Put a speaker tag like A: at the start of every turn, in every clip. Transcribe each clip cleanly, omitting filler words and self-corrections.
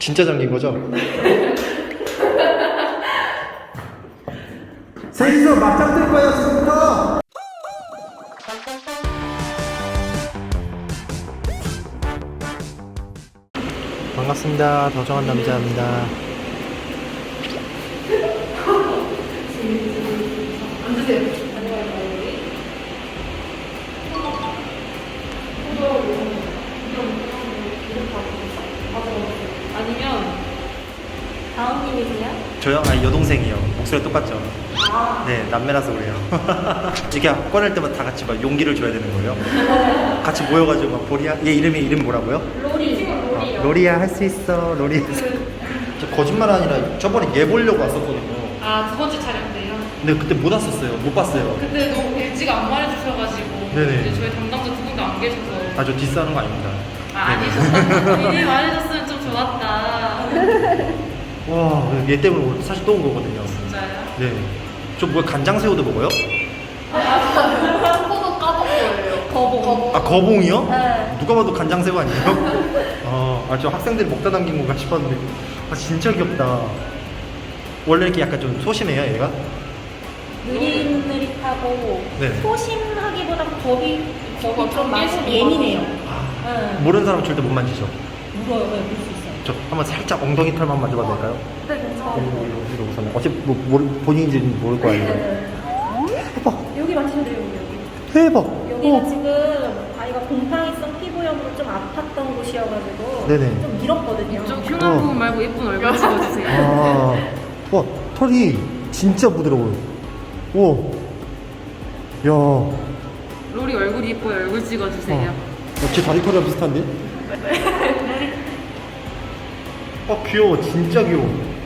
A: 진짜 잠긴 거죠? 셋이서 맞짱 뜰 거야 지금부터. 반갑습니다. 더정한 남자입니다.
B: 앉으세요. 아니면 다음님이세요?
A: 저요? 아니 여동생이요. 목소리 똑같죠? 네, 남매라서 그래요. 이렇게 꺼낼 때마다 다 같이 막 용기를 줘야 되는 거예요. 같이 모여가지고 막 보리야. 얘 이름 뭐라고요?
B: 로리.
A: 로리야 할 수 있어. 로리. 저 거짓말 아니라 저번에 얘 보려고 왔었거든요.
B: 아, 두 번째 촬영 때요?
A: 근데 그때 못 왔었어요. 못 봤어요.
B: 그때 너무 일찍 안 말해주셔가지고
A: 네네.
B: 이제 저희 담당자 두 분도 안 계셔서
A: 아, 저 디스하는 거 아닙니다.
B: 아니셨다. 미리 말해줬으면 좀 좋았다.
A: 와, 얘 때문에 오늘 사실 또 온 거거든요.
B: 진짜요?
A: 네. 저 뭐야, 간장새우도 먹어요?
B: 코도 까본 거예요. 거봉.
A: 아, 거봉이요?
B: 네.
A: 누가 봐도 간장새우 아니에요? 저 학생들이 먹다 남긴 건가 싶었는데. 아, 진짜 귀엽다. 원래 이렇게 약간 좀 소심해요, 얘가?
C: 느릿느릿하고
A: 네.
C: 소심하기보다 겁이 좀 많이
B: 경계심이
C: 예민해요.
A: 아,
C: 응.
A: 모르는 사람 절대 못 만지죠?
C: 물어요, 물 수 있어요.
A: 저 한번 살짝 엉덩이 털만 만져봐도 될까요?
C: 네, 괜찮아요.
A: 이거 우선은. 어차피 본인인지는 모를 거 아니에요? 대박!
C: 여기 맞추면 돼요, 여기.
A: 대박!
C: 여기가 지금 아이가 곰팡이성 피부염으로 좀 아팠던 곳이어가지고
A: 네네.
C: 좀 밀었거든요.
B: 좀 흉한 부분 말고 예쁜 얼굴 찍어주세요.
A: 와, 털이 진짜 부드러워요. 우와. 야.
B: 로리 얼굴이 예뻐요. 얼굴 찍어주세요.
A: 제 다리 털이랑 비슷한데? 귀여워. 진짜 귀여워.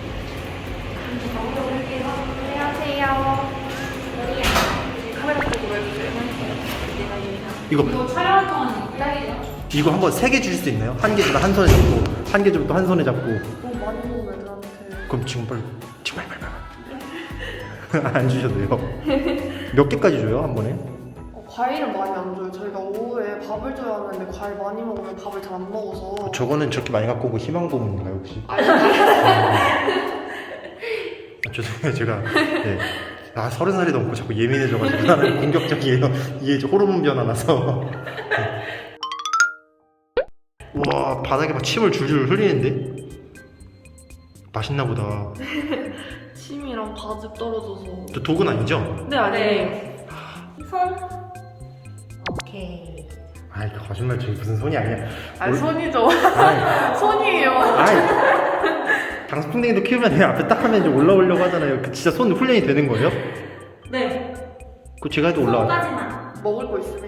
C: 안녕하세요.
B: 카메라 쪽으로 해주세요.
A: 이거
B: 촬영할 동안 기다리죠.
A: 이거 한번 3개 주실 수 있나요? 한 개 주면 한 손에 잡고, 한 개 주면 또 한 손에 잡고.
C: 너무 많이 먹으면 애들한테.
A: 그럼 지금 빨리 안 주셔도 돼요. 몇 개까지 줘요, 한 번에?
D: 과일은 많이 안 줘요. 저희가 오후에 밥을 줘야 하는데 과일 많이 먹으면 밥을 잘 안 먹어서.
A: 저거는 저렇게 많이 갖고 오고 희망 고문인가요, 혹시? 죄송해요, 제가. 네. 30살이 넘고 자꾸 예민해져가지고 나는 공격적이에요. 이게 이제 호르몬 변화 나서. 와, 바닥에 막 침을 줄줄 흘리는데? 맛있나 보다.
D: 침이랑 바즙 떨어져서.
A: 저 독은 아니죠?
D: 네, 아니에요.
C: 손. 오케이.
A: 아이, 거짓말 저기 무슨 손이 아니야.
D: 아니, 손이죠.
A: 아이,
D: 손이에요.
A: 아이. 장수풍뎅이도 키우면 그냥 앞에 딱 하면 이제 올라오려고 하잖아요. 그 진짜 손 훈련이 되는 거예요?
C: 네.
A: 그 제가 해도 올라와요.
C: 손까지만.
D: 먹을 거 있으면.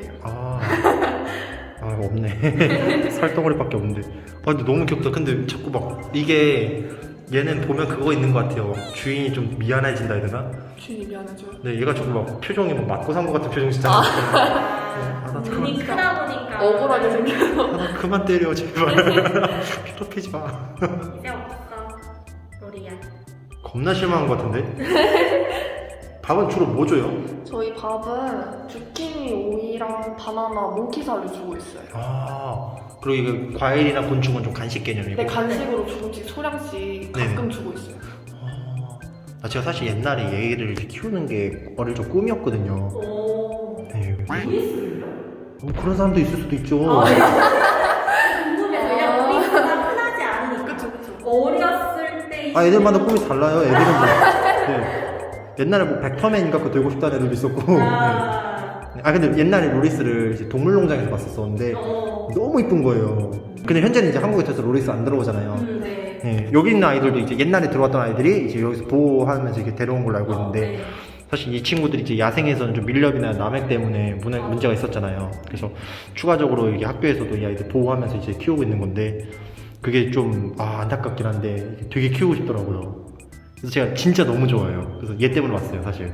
A: 없네. 살덩어리밖에 없는데. 근데 너무 귀엽다. 근데 자꾸 막 이게 얘는 보면 그거 있는 것 같아요. 주인이 좀 미안해진다 해야 되나?
D: 주인이 미안해져요.
A: 네, 얘가 자꾸 막 표정이 막 맞고 산 것 같은 표정 진짜. 나
C: 눈이 크다 보니까.
D: 억울하게 생겨서.
A: 나 그만 때려 제발. 괴롭히지 마.
C: 이제 없어. 로리야.
A: 겁나 실망한 것 같은데? 밥은 주로 뭐 줘요?
D: 저희 밥은 주키니, 오이랑 바나나, 몽키살을 주고 있어요.
A: 그리고 이거 과일이나 곤충은 좀 간식 개념이고.
D: 네, 간식으로 조금씩 소량씩 가끔 주고 있어요.
A: 제가 사실 옛날에 얘를 이렇게 키우는 게 어릴 적 꿈이었거든요.
C: 오.
A: 네. 그런 사람도 있을 수도 있죠.
C: 궁금해. 왜냐면 우리 흔하지 않으니까.
D: 그쵸.
C: 어렸을 때.
A: 애들마다 꿈이 달라요. 애들은 네. 옛날에 뭐 벡터맨인가 그거 되고 싶다는 애들도 있었고. 네. 근데 옛날에 로리스를 이제 동물농장에서 봤었었는데 너무 이쁜 거예요. 근데 현재는 이제 한국에 들어서 로리스 안 들어오잖아요.
C: 네.
A: 네. 여기 있는 아이들도 이제 옛날에 들어왔던 아이들이 이제 여기서 보호하면서 이렇게 데려온 걸로 알고 있는데
C: 네.
A: 사실 이 친구들이 이제 야생에서는 좀 밀렵이나 남획 때문에 문제가 있었잖아요. 그래서 추가적으로 이게 학교에서도 이 아이들 보호하면서 이제 키우고 있는 건데 그게 좀 안타깝긴 한데 되게 키우고 싶더라고요. 그래서 제가 진짜 너무 좋아해요. 그래서 얘 때문에 왔어요, 사실.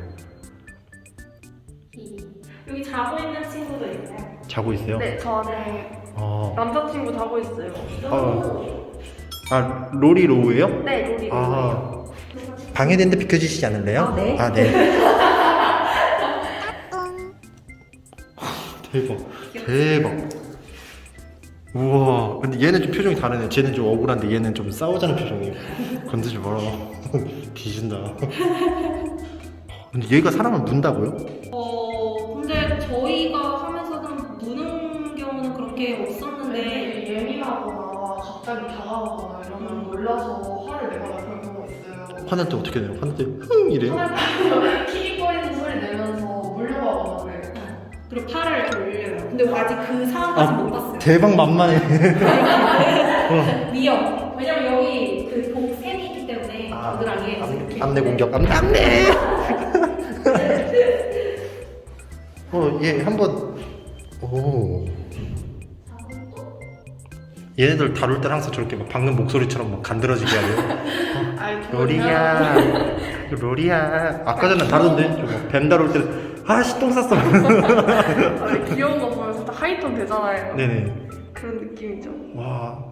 C: 여기 자고 있는 친구도 있나요?
A: 자고 있어요?
D: 네, 저 안에
A: 어.
D: 남자친구 자고 있어요.
A: 로리 로우예요?
D: 네, 로리.
A: 방해되는데 비켜주시지 않을래요?
C: 네.
A: 네. 대박. 대박. 우와. 근데 얘는 좀 표정이 다르네. 쟤는 좀 억울한데 얘는 좀 싸우자는 표정이에요. 건드지 마라. 뒤진다. 근데 얘가 사람을 문다고요?
C: 근데 저희가 하면서는 무는 경우는 그렇게 없었는데
D: 예민하거나 갑자기 다가오거나 이러면 놀라서 화를 내거나 그런 경우가 있어요.
A: 화낼 때 어떻게 해요? 화낼 때 흥 이래요?
D: 화날 때 킥거리는 소리 내면서 물려가거나 그래요.
C: 그리고 팔을 돌려요. 근데 아직 그 상황까지 못 봤어요.
A: 대박 만만해.
C: 위험. 왜냐면 여기 그 복샘이 있기 때문에 겨드랑이에 이렇게
A: 암내 공격. 암내. 얘 한번. 오. 얘네들 다룰 때 항상 저렇게 막 방금 목소리처럼 막 간드러지게 하래요.
D: 아니,
A: 로리야, 로리야. 아까 전에 다루던데. 뱀 다룰 때, 아씨 똥 쌌어.
D: 아니, 귀여운 거 보면 진짜 하이톤 되잖아요.
A: 네네.
D: 그런 느낌이죠.
A: 와.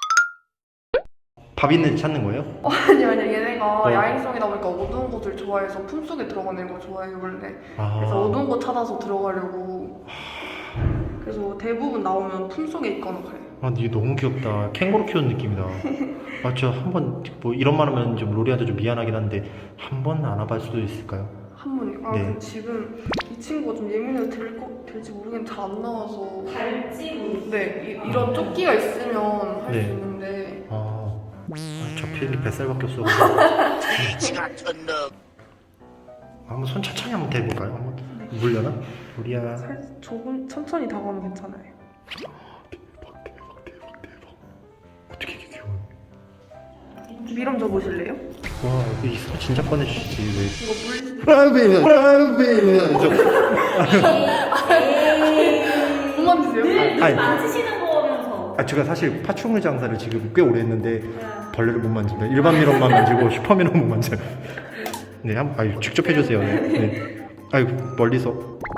A: 밥 있는 데 찾는 거예요?
D: 아니요, 얘네가 야행성이다 보니까 어두운 곳을 좋아해서 품속에 들어가는 걸 좋아해요, 원래. 그래서 어두운 곳 찾아서 들어가려고. 그래서 대부분 나오면 품속에 있거나 그래요.
A: 아, 얘 너무 귀엽다. 캥거루 키우는 느낌이다. 아, 저 한번 뭐 이런 말 하면 좀 로리한테 좀 미안하긴 한데 한 번 안아볼 수도 있을까요?
D: 한 번요? 아,
A: 네.
D: 근데 지금 이 친구가 좀 예민해도 될지 모르겠는데 잘 안 나와서.
C: 갈지 모르겠어요.
D: 네, 이런 조끼가 있으면 할 수
A: 네.
D: 있는데.
A: 저 필리 뱃살밖에 없어. 한번 손 천천히 한번 대볼까요? 한번 물려나? 로리야.
D: 조금 천천히 다가오면 괜찮아요.
A: 대박. 어떻게 이렇게 귀여워?
D: 미럼 줘보실래요?
A: 와, 이 손 진짜 꺼내주시지 왜?
D: 이거 물
A: 프라이빗.
D: 그만 주세요.
A: 아니.
C: 만지시는 거면서
A: 제가 사실 파충류 장사를 지금 꽤 오래 했는데 벌레를 못 만집니다. 일반 미럼만 만지고 슈퍼 미럼 못 만져요. 네, 직접 해주세요. 네. 멀리서.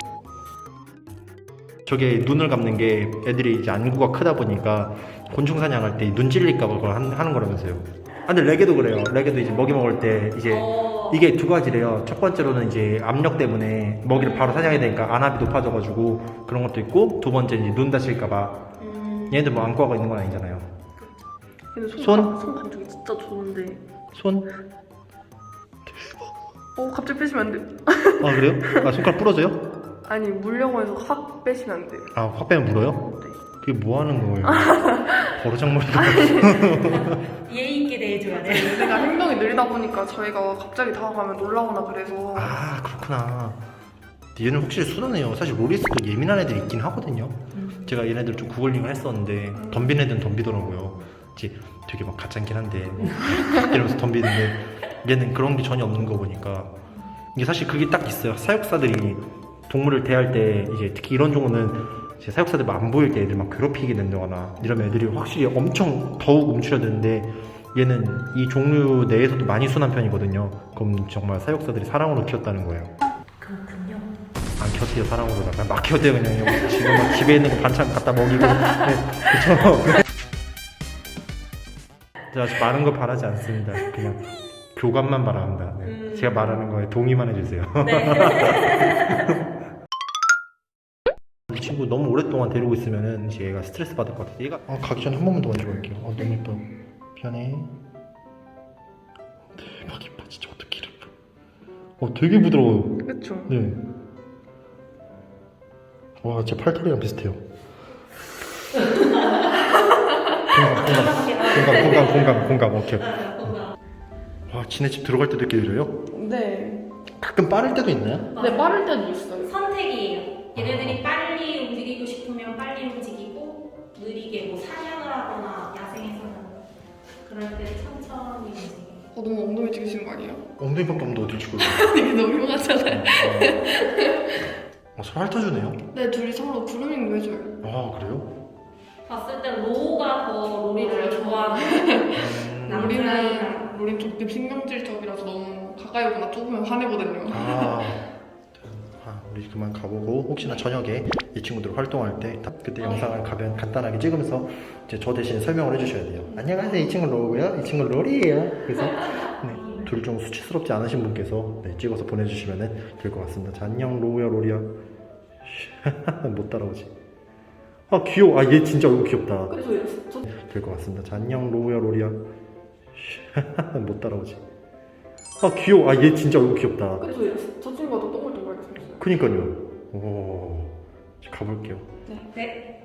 A: 저게 눈을 감는 게 애들이 이제 안구가 크다 보니까 곤충 사냥할 때 눈 찔릴까봐 그걸 하는 거라면서요. 근데 레게도 그래요. 레게도 이제 먹이 먹을 때 이제 이게 두 가지래요. 첫 번째로는 이제 압력 때문에 먹이를 바로 사냥해야 되니까 안압이 높아져가지고 그런 것도 있고, 두 번째 이제 눈 다칠까봐. 얘네들 뭐 안과가 있는 건 아니잖아요.
D: 근데
A: 손?
D: 손 감촉이 진짜 좋은데.
A: 손?
D: 갑자기 빼시면 안 돼요.
A: 아, 그래요? 손가락 부러져요?
D: 아니, 물려고 해서 확 빼시면 안 돼요.
A: 확 빼면 물어요?
D: 네.
A: 그게 뭐 하는 거예요? 버르장머리가.
C: 예의 있게 대해줘야 돼.
D: 얘가 행동이 느리다 보니까 저희가 갑자기 다가가면 놀라거나 그래서.
A: 그렇구나. 얘는 확실히 순하네요. 사실 로리스도 예민한 애들이 있긴 하거든요. 제가 얘네들 좀 구글링을 했었는데 덤비는 애들은 덤비더라고요. 이제 되게 막 가짠긴 한데 이러면서 덤비는데 얘는 그런 게 전혀 없는 거 보니까 이게 사실 그게 딱 있어요. 사육사들이 동물을 대할 때 이제 특히 이런 종은 이제 사육사들 안 보일 때 애들 막 괴롭히게 된다거나 이러면 애들이 확실히 엄청 더욱 움츠려드는데 얘는 이 종류 내에서도 많이 순한 편이거든요. 그럼 정말 사육사들이 사랑으로 키웠다는 거예요.
C: 그렇군요.
A: 안 키웠대요, 사랑으로. 막 키웠대요, 그냥. 지금 막 집에 있는 거 반찬 갖다 먹이고. 네, 그쵸. 제가 많은 거 바라지 않습니다. 그냥 교감만 바랍니다. 네. 제가 말하는 거에 동의만 해주세요. 이 친구 너무 오랫동안 데리고 있으면은 이제 얘가 스트레스 받을 것 같아요. 얘가 가기 전에 한 번만 더 만져볼게요. 너무 예뻐. 편해. 대박 이뻐. 진짜 어떻게 이래. 되게 부드러워요.
D: 그쵸?
A: 네. 와, 제 팔털이랑 비슷해요. 공감. 오케이. 와, 지네 집 들어갈 때도 이렇게 느려요?
D: 네.
A: 가끔 빠를 때도 있나요?
D: 네, 빠를 때도 있어요.
C: 선택이에요. 얘네들이 빨리 움직이고 싶으면 빨리 움직이고, 느리게 뭐 사냥을 하거나 야생에서는 그럴 때 천천히 움직여요.
D: 너무 엉덩이 찍으시는 거 아니에요?
A: 엉덩이밖에 없는데 어디 치고
D: 이게 너무 흉하잖아요.
A: 서로 핥아주네요?
D: 네, 둘이 서로 그루밍도 해줘요.
A: 그래요?
C: 봤을 때 로우가 더 로리를 좋아하는 남자이랑
D: 로리는 조금 신경질적이라서 너무 가까이 오거나 좁으면 화내거든요.
A: 우리 그만 가보고 혹시나 저녁에 이 친구들 활동할 때 그때 영상을 간단하게 찍으면서 이제 저 대신 설명을 해주셔야 돼요. 안녕하세요, 이 친구 로우고요, 이 친구 로리예요. 그래서 둘 중 수치스럽지 않으신 분께서 찍어서 보내주시면 될 것 같습니다. 자, 안녕 로우야, 로리야. 못 따라오지. 아 귀여워. 아 얘 진짜 얼굴 귀엽다.
D: 그래서
A: 될 것 같습니다. 자, 안녕 로우야 로리야. 못 따라오지. 아 귀여워. 아 얘 진짜 얼굴 귀엽다.
D: 그래서 저 친구가 더 동글동글하게 생겼어요.
A: 그니까요. 오, 가볼게요.
C: 네.